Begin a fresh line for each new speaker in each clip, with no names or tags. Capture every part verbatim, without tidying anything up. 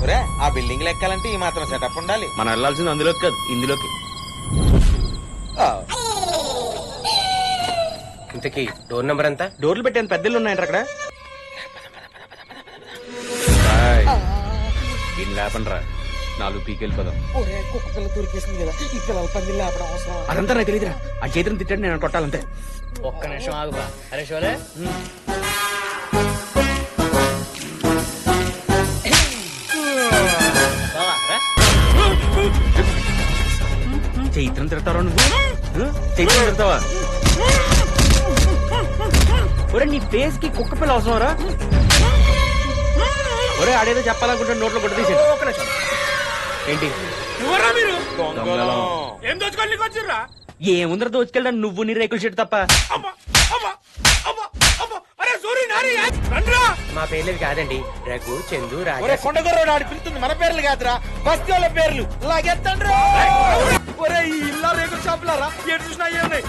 ఒరే ఆ బిల్డింగ్ ఎక్కాలంటే ఈ మాత్రం సెటప్ ఉండాలి.
మనం వెళ్ళాల్సింది అందులోకి కాదు ఇందులోకి.
ఇంతకీ డోర్ నెంబర్ ఎంత?
డోర్లు పెట్టాను పెద్దలు ఉన్నాయంట అక్కడ. దీన్ని లేపండ్రా, నాలుగు పీకి వెళ్ళిపోదాం.
కుక్క పిల్ల దొరికేసింది కదా, ఈ పిల్లల పంది లేపడం అవసరం.
అదంతా నాకు తెలియదురా, ఆ చేతిని తిట్టాడు నేను కొట్టాలంతే.
ఒక్క నిమిషం ఆగుబా. అరే షోలే
చైత్రం తిడతావా నువ్వు? చైత్రం తిడతావా? ఒరే నీ ఫేస్ కి కుక్క పిల్ల అవసరం రా. ఒరే ఆడేదో చెప్పాలనుకుంటే నోట్లో కొట్టు తీసి. ఏంటి ఏముందర దోచుకెళ్ళా నువ్వు నీ రేకుల చెట్టు తప్ప.
మా పేర్లు కాదండి, రఘు, చందు, రాజా.
కొండగొర్రోడు ఆడి పిలుతుంది మన పేర్లు కాదురా, బస్తీ వాళ్ళ పేర్లు. లాగెత్తండి ఈ ఇల్లా రేకుల షాపులారా, ఏడు చూసినా ఏమున్నాయి.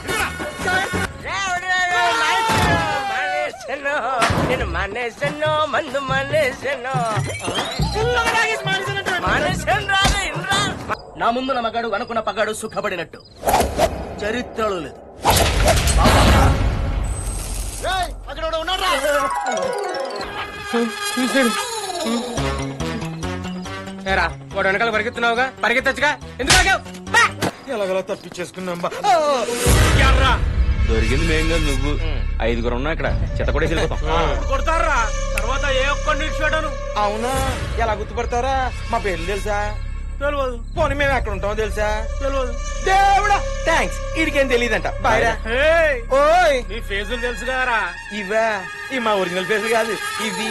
నేను మానేసాను, మందు మానేసాను. నా ముందు నా మగాడు అనుకున్న పగాడు సుఖపడినట్టు చరిత్రలో లేదు. ఏరా వాడు వెనకాల పరిగెత్తున్నావుగా, పరిగెత్తచ్చుగా, ఎందుకు
ఎలాగలా తప్పించేసుకున్నాం.
దొరికింది మేం కాదు నువ్వు. ఐదుగురు ఉన్నా ఇక్కడ చెత్త కూడా వెళ్ళిపోతాం.
కొడతారా తర్వాత ఏ ఒక్కడిని నిలిచిపెట్టాను.
అవునా, ఎలా గుర్తుపడతారా? మా పేర్లు తెలుసా?
తెలియదు.
పోనీ మేము ఎక్కడ ఉంటామో తెలుసా?
తెలియదు.
దేవుడా థ్యాంక్స్, వీడికేం తెలియదంట. బాయ్రా. ఓయ్
నీ ఫేజులు తెలుసు కదరా.
ఇవా ఇవి మా ఒరిజినల్ ఫేస్ కాదు, ఇవి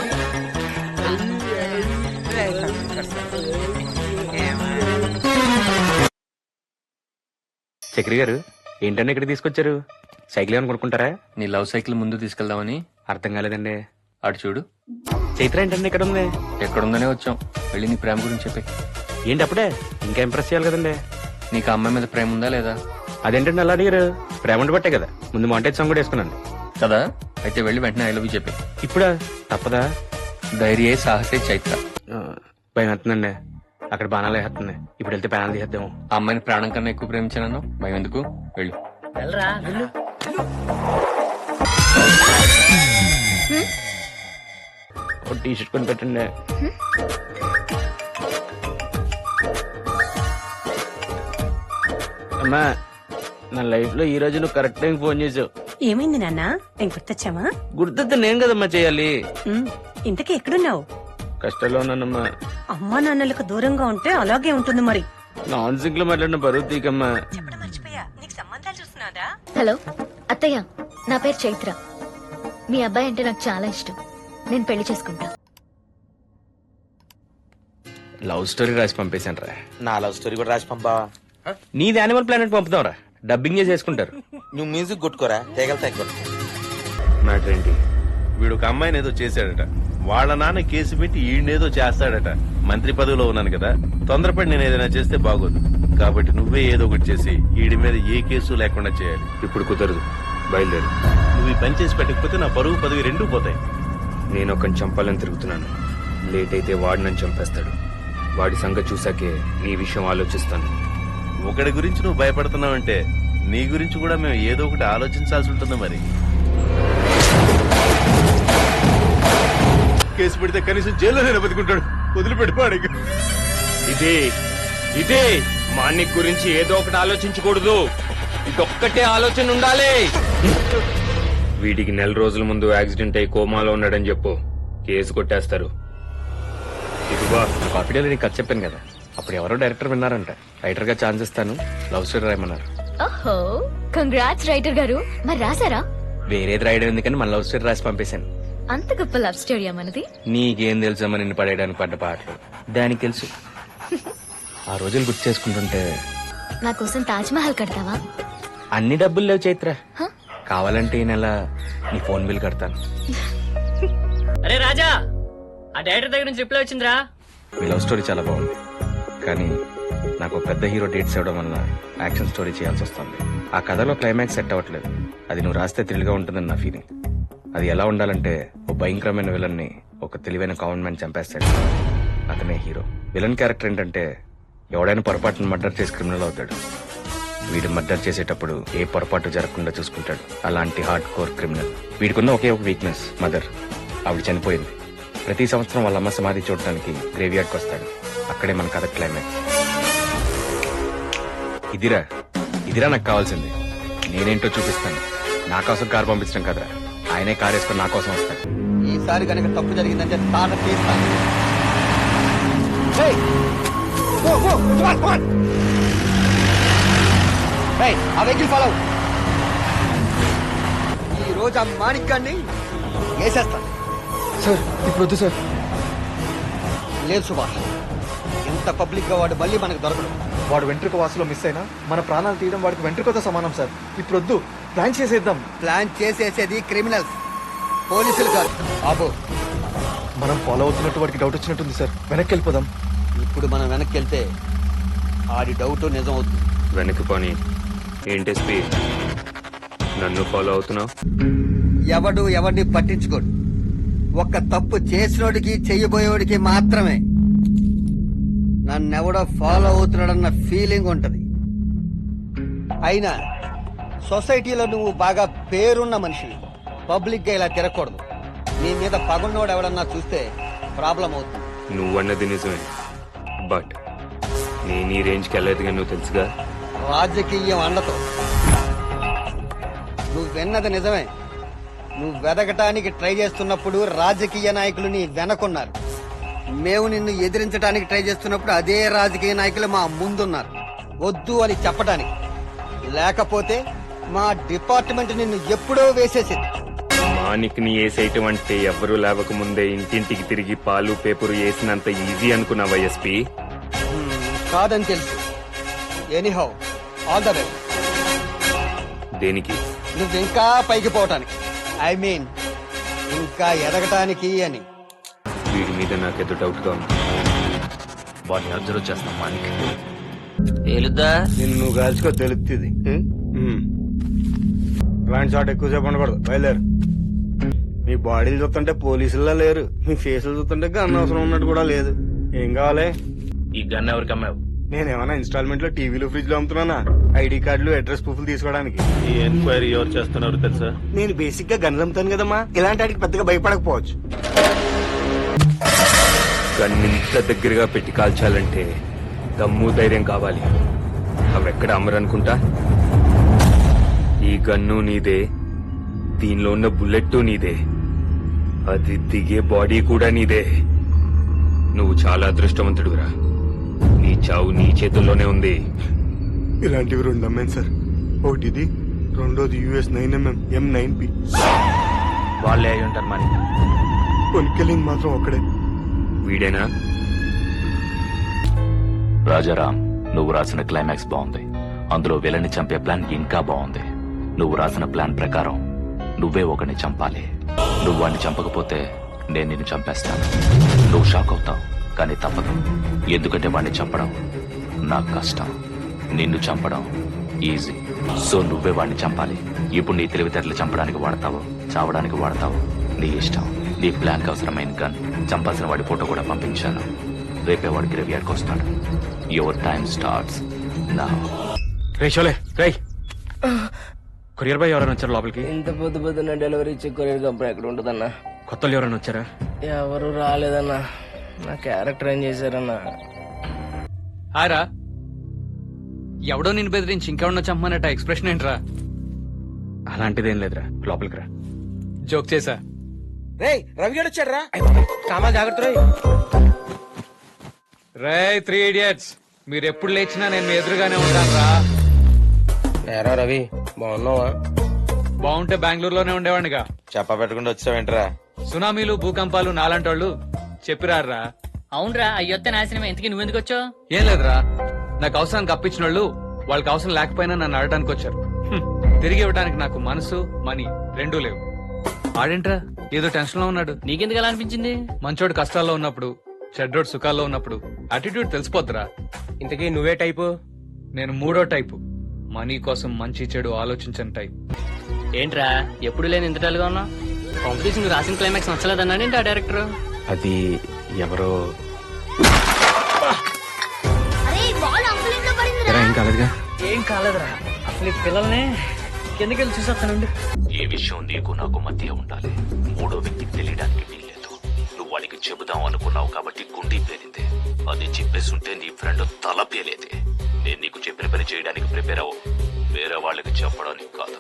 చక్రి గారు ఏంటన్నా ఇక్కడ తీసుకొచ్చారు? సైకిల్ ఏమని కొనుక్కుంటారా?
నీ లవ్ సైకిల్ ముందు తీసుకెళ్దామని.
అర్థం కాలేదండి.
అటు చూడు.
చైత్ర ఏంటండి ఇక్కడ ఉంది?
ఎక్కడుందనే వచ్చాం. వెళ్ళి నీ ప్రేమ గురించి చెప్పి.
ఏంటి అప్పుడే? ఇంకా ఇంప్రెస్ చేయాలి కదండి.
నీకు ఆ అమ్మాయి మీద ప్రేమ ఉందా లేదా?
అదేంటండి అలా అడిగారు? ప్రేమ ఉండి బట్టే కదా ముందు మాంటేజ్ సాంగ్ కూడా వేసుకున్నాను
కదా. అయితే వెళ్ళి వెంటనే ఐ లవ్ యూ చెప్పి.
ఇప్పుడా? తప్పదా?
ధైర్యే సాహసే చైత్ర.
భయం వేస్తుందండి, అక్కడ బాణాలు వేస్తుంది. ఇప్పుడు వెళ్తే బాణాలు తీసేద్దాము.
ఆ అమ్మాయిని ప్రాణం కన్నా ఎక్కువ ప్రేమించాను. భయం ఎందుకు, వెళ్ళు.
వెళ్ళరా వెళ్ళు.
టీ షర్ట్ కొని పెట్టండి. అమ్మా నా లైఫ్ లో ఈ రోజు నువ్వు కరెక్ట్ టైం ఫోన్ చేసావు.
ఏమైంది నాన్న? నేను గుర్తొచ్చావా?
గుర్తొస్తే నేను కదమ్మా చేయాలి.
ఉమ్, ఇంతకీ ఎక్కడున్నావు?
కష్టాల్లో ఉన్నానమ్మా.
అమ్మా నాన్నలకు దూరంగా ఉంటే అలాగే ఉంటుంది మరి.
నాన్ సింక్ లో మాట్లాడిన బరువు తీకమ్మా.
చెప్పడం మర్చిపోయా, నీకు సంబంధాలు చూస్తున్నాదా?
హలో అత్తయ్య, నా పేరు చైత్ర. మీ అబ్బాయి అంటే నాకు చాలా ఇష్టం. నేను పెళ్లి చేసుకుంటా.
లవ్ స్టోరీ రాసి పంపేశాను రా.
నా లవ్ స్టోరీ కూడా రాసి పంపావా?
నీది యానిమల్ ప్లానెట్ పంపుతాం రా, డబ్బింగ్ చేసి చేసుకుంటారు.
నువ్వు మ్యూజిక్ కొట్టుకోరా, తెగలు తగ్గ.
మ్యాటర్ ఏంటి?
వీడు ఒక అమ్మాయిని ఏదో చేశాడట. వాళ్ళ నాన్న కేసు పెట్టి ఈయనేదో చేస్తాడట. మంత్రి పదవిలో ఉన్నాను కదా, తొందరపడి నేను ఏదైనా చేస్తే బాగోదు. కాబట్టి నువ్వే ఏదో ఒకటి చేసి ఈడి మీద ఏ కేసు లేకుండా చేయాలి.
ఇప్పుడు కుదరదు, బయలుదేరు.
నువ్వు ఈ పని చేసి పెట్టకపోతే నా పరువు పదవి రెండూ పోతాయి.
నేను ఒకరిని చంపాలని తిరుగుతున్నాను. లేట్ అయితే వాడు నన్ను చంపేస్తాడు. వాడి సంగతి చూసాకే నీ విషయం ఆలోచిస్తాను.
ఒకడి గురించి నువ్వు భయపడుతున్నావంటే నీ గురించి కూడా మేము ఏదో ఒకటి ఆలోచించాల్సి ఉంటుంది. మరి కేసు పెడితే కనీసం జైల్లోనే బతుకుంటాడు. వదిలిపెట్టిపోడు.
ఇదే ఇదే మాన్నిక్ గురించి ఏదో ఒకటి ఆలోచించకూడదు. ఇదొక్కటే ఆలోచన ఉండాలి. వీడికి నెల రోజుల ముందు యాక్సిడెంట్ అయి కోమాలో ఉన్నాడని చెప్పు, కేసు కొట్టేస్తారు. ఇదిగో కాపీడీలో నీకు కథ చెప్పాను కదా, అప్పుడు ఎవరో డైరెక్టర్ విన్నారంట. రైటర్ గా ఛాన్స్ ఇస్తాను, లవ్ స్టోరీ రాయమన్నారు.
ఓహో, కంగ్రాట్స్ రైటర్ గారు. మరి రాసారా?
వేరేది రాయడం ఎందుకని మన లవ్ స్టోరీ రాసి పంపేశాను.
అంత గొప్ప లవ్ స్టోరీ మనది.
నీకేం తెలుసమ్మా నిన్ను పడేయడానికి పడ్డ పాటలు. దానికి తెలుసు. ఆ రోజులు గుర్తు చేసుకుంటుంటే.
నా కోసం తాజ్ మహల్ కడతావా?
అన్ని డబ్బులు లేవు చైత్ర.
హ?
కావాలంటే ఈ నెల నీ ఫోన్ బిల్ కడతాను.
అరే రాజా, ఆ డైరెక్టర్ దగ్గర నుంచి రిప్లై వచ్చిందిరా.
మీ లవ్ స్టోరీ చాలా బాగుంది, కానీ నాకు ఒక పెద్ద హీరో డేట్స్ ఇవ్వడం వల్ల యాక్షన్ స్టోరీ చేయాల్సి వస్తుంది. ఆ కథలో క్లైమాక్స్ సెట్ అవ్వట్లేదు. అది నువ్వు రాస్తే థ్రిల్గా ఉంటుందని నా ఫీలింగ్. అది ఎలా ఉండాలంటే ఓ భయంకరమైన విలన్ని ఒక తెలివైన కామన్ మ్యాన్ చంపేస్తాడు. అతనే హీరో. విలన్ క్యారెక్టర్ ఏంటంటే ఎవడైనా పొరపాటును మర్డర్ చేసి క్రిమినల్ అవుతాడు. వీడు మర్డర్ చేసేటప్పుడు ఏ పొరపాటు జరగకుండా చూసుకుంటాడు. అలాంటి హార్డ్ కోర్ క్రిమినల్. వీడికున్న ఒకే ఒక వీక్నెస్, మదర్. ఆవిడ చనిపోయింది. ప్రతి సంవత్సరం వాళ్ళ అమ్మ సమాధి చూడటానికి గ్రేవ్ యార్డ్కి వస్తాడు. అక్కడే మన కథ క్లైమాక్స్. ఇదిరా ఇదిరా నాకు కావాల్సింది. నేనేంటో చూపిస్తాను. నా కోసం కారు పంపించడం కదరా, ఆయనే కారు వేసుకొని నా కోసం వస్తాడు.
ఈసారి కనుక తప్పు జరిగిందంటే తాట తీస్తాను. ఏయ్! Go, go, come on, come on. ఏయ్, ఆ వెహికల్ ఫాలో అవ్వు. ఈ రోజు ఆ మాణిక్ గాన్ని వేసేస్తాను.
సార్ ఇప్పుడు వద్దు సార్.
లేదు సుభాష్, ఇంత పబ్లిక్ గా వాడు మళ్ళీ మనకు దొరకడు.
వాడు వెంట్రుక వాసులో మిస్ అయినా మన ప్రాణాలు తీయడం వాడికి వెంట్రుకతో సమానం సార్. ఇప్పుడు వద్దు, ప్లాన్ చేసేద్దాం.
ప్లాన్ చేసేసేది క్రిమినల్స్, పోలీసులు కాదు. ఆబో,
మనం ఫాలో అవుతున్నట్టు వాడికి డౌట్ వచ్చినట్టుంది సార్. వెనక్కి వెళ్ళిపోదాం.
ఇప్పుడు మనం వెనక్కి వెళ్తే ఆడి డౌట్ నిజం అవుతుంది.
వెనక్కి పోని. ఏంటి ఎస్పీ, నన్ను ఫాలో అవుతున్నావు?
ఎవడు ఎవడిని పట్టించుకోడు. ఒక్క తప్పు చేసినోడికి చెయ్యబోయేవాడికి మాత్రమే నన్నెవడో ఫాలో అవుతున్నాడన్న ఫీలింగ్ ఉంటది. అయినా సొసైటీలో నువ్వు బాగా పేరున్న మనిషివి. పబ్లిక్ గా ఇలా తిరగకూడదు. నీ మీద పగున్నోడు ఎవడన్నా చూస్తే ప్రాబ్లం అవుతుంది.
నువ్వన్నది నిజమే, బట్ నేను ఈ రేంజ్కి వెళ్ళేదిగా నువ్వు తెలుసుగా.
రాజకీయం అండతో నువ్వు విన్నది నిజమే. నువ్వు వెదకటానికి ట్రై చేస్తున్నప్పుడు రాజకీయ నాయకులు నీ వెనకున్నారు. మేము నిన్ను ఎదిరించడానికి ట్రై చేస్తున్నప్పుడు అదే రాజకీయ నాయకులు మా ముందున్నారు, వద్దు అని చెప్పడానికి. లేకపోతే మా డిపార్ట్మెంట్ నిన్ను ఎప్పుడో వేసేసింది.
మానిక్ ని వేసేయటం అంటే ఎవరు లేవక ముందే ఇంటింటికి తిరిగి పాలు పేపరు వేసినంత ఈజీ అనుకున్నావా ఎస్పీ?
హ్మ్, కాదని తెలుసు. Anyhow, all the best.
దేనికి?
నువ్వు ఇంకా పైకి పోవటానికి, ఐ మీన్ ఇంకా ఎదగటానికి అని.
వీడి మీద నాకేదో డౌట్ గా ఉంది. వాడిని అబ్జర్వ్ చేస్తాం మానిక్.
ఏలుద్దా
నిన్ను నువ్వు కాల్చుకో తెలుస్తుంది. ఇలాంటి చోట ఎక్కువసేపు ఉండకూడదు. బయలుదేరు. మీ బాడీలు చూస్తుంటే పోలీసుల్లో లేరు, మీ ఫేసులు చూస్తుంటే గన్ అవసరం ఉన్నట్టు కూడా లేదు. ఏం కావాలి?
ఈ గన్ ఎవరికి అమ్మావు?
నేనేమన్నా ఇన్స్టాల్మెంట్ లో టీవీలు ఫ్రిడ్జ్ లో అమ్ముతున్నానా? ఐడి కార్డులు అడ్రస్ ప్రూఫ్లు తీసుకోవడానికి.
ఈ ఎంక్వైరీ ఎవరు చేస్తున్నారు తెలుసా?
నేను బేసిక్ గా గన్లు అమ్ముతాను కదమ్మా. ఇలాంటి వాటికి పెద్దగా భయపడకపోవచ్చు.
గన్ ఇంత దగ్గరగా పెట్టి కాల్చాలంటే దమ్ము ధైర్యం కావాలి. అవెక్కడ అమ్మరనుకుంటా. ఈ గన్ను నీదే, దీనిలో ఉన్న బుల్లెట్ నీదే, అది దిగే బాడీ కూడా నీదే. నువ్వు చాలా అదృష్టవంతుడురా. నీ చావు నీ చేతుల్లోనే ఉంది.
ఇలాంటివి రెండు అమ్మాను సార్. ఒకటి ఇది, రెండోది US nine MM M nine P.
వాళ్ళే అయి ఉంటారు మరి.
కొనుక్కెళ్ళింది మాత్రం ఒక్కడే.
వీడేనా?
రాజారాం, నువ్వు రాసిన క్లైమాక్స్ బాగుంది. అందులో విలని చంపే ప్లాన్ ఇంకా బాగుంది. నువ్వు రాసిన ప్లాన్ ప్రకారం నువ్వే ఒకరిని చంపాలి. నువ్వు వాడిని చంపకపోతే నేను నిన్ను చంపేస్తాను. నువ్వు షాక్ అవుతావు, కానీ తప్పదు. ఎందుకంటే వాడిని చంపడం నాకు కష్టం, నిన్ను చంపడం ఈజీ. సో నువ్వే వాడిని చంపాలి. ఇప్పుడు నీ తెలివితేటలు చంపడానికి వాడతావు, చావడానికి వాడతావు, నీ ఇష్టం. నీ ప్లాన్కి అవసరమైన గన్, చంపాల్సిన వాడి ఫోటో కూడా పంపించాను. రేపే వాడి గ్రేవ్ యార్డ్కి వస్తాడు. Your time starts now.
రేషోలే రై కొరియర్ బాయ్ ఎవరైనా వచ్చారు లోపలికి?
ఇంత పొద్దు పొద్దున్న డెలివరీ ఇచ్చే కొరియర్ కంపెనీ ఎక్కడ ఉంటుందన్నా?
కొత్త వాళ్ళు ఎవరైనా వచ్చారా?
ఎవరు రాలేదన్నా. నా క్యారెక్టర్ ఏం చేశారన్నా?
హారా, ఎవడో నిన్ను బెదిరించి ఇంకెవడో చంపమన్నట్టు ఎక్స్ప్రెషన్ ఏంట్రా? అలాంటిదేం లేదురా, లోపలికి రా. జోక్ చేసా.
రేయ్, రవిగాడు వచ్చాడు రా. కామాలు జాగ్రత్త రోయ్.
రే త్రీ ఇడియట్స్, మీరు ఎప్పుడు లేచినా నేను మీ ఎదురుగానే ఉంటాను రా.
ఏరా రవి, బాగున్నావా?
బాగుంటే బెంగళూరులోనే ఉండేవాడిగా.
చెప్ప పెట్టకుండా వచ్చావేంట్రా?
సునామీలు, భూకంపాలు నాలంటోళ్ళు చెప్పిరారా.
అవునరా, అయ్యొత్త నాశనం. ఎంతకి నువ్వెందుకు వచ్చావు?
ఏం లేదురా, నాకు అవసరానికి అప్పించిన వాళ్ళు వాళ్ళకి అవసరం లేకపోయినా నన్ను అడగడానికి వచ్చారు. హ్మ్. తిరిగి ఇవ్వడానికి నాకు మనసు, మనీ రెండూ లేవు. ఆడేంట్రా ఏదో టెన్షన్ లో ఉన్నాడు?
నీకెందుకు అలా అనిపించింది?
మంచోడు కష్టాల్లో ఉన్నప్పుడు, చెడ్డోడు సుఖాల్లో ఉన్నప్పుడు అటిట్యూడ్ తెలిసిపోద్దురా.
ఇంతకీ నువ్వే టైపు?
నేను మూడో టైపు. మనీ కోసం మంచి చెడు ఆలోచించని టైప్.
ఏంట్రా ఎప్పుడు లేని ఇంతటాలుగా ఉన్నా? కాంపిటీషన్ రాసిన క్లైమాక్స్ నచ్చలేదన్నాడేంటి ఆ డైరెక్టర్?
అది ఎవరో
కాలేదుగా?
ఏం కాలేదురా, అసలు ఈ పిల్లల్ని కిందకి వెళ్ళి చూసేస్తానండి.
ఈ విషయం నీకు నాకు మధ్య ఉండాలి. మూడో వ్యక్తికి తెలియడానికి వీల్లేదు. నువ్వు వాడికి చెబుదాం అనుకున్నావు కాబట్టి గుండీ పేలింది. అది చెప్పేస్తుంటే నీ ఫ్రెండ్ తల పేలేదే. నేను నీకు చెప్పిన పని చేయడానికి ప్రిపేర్ అవ్వు, వేరే వాళ్ళకి చెప్పడానికి కాదు.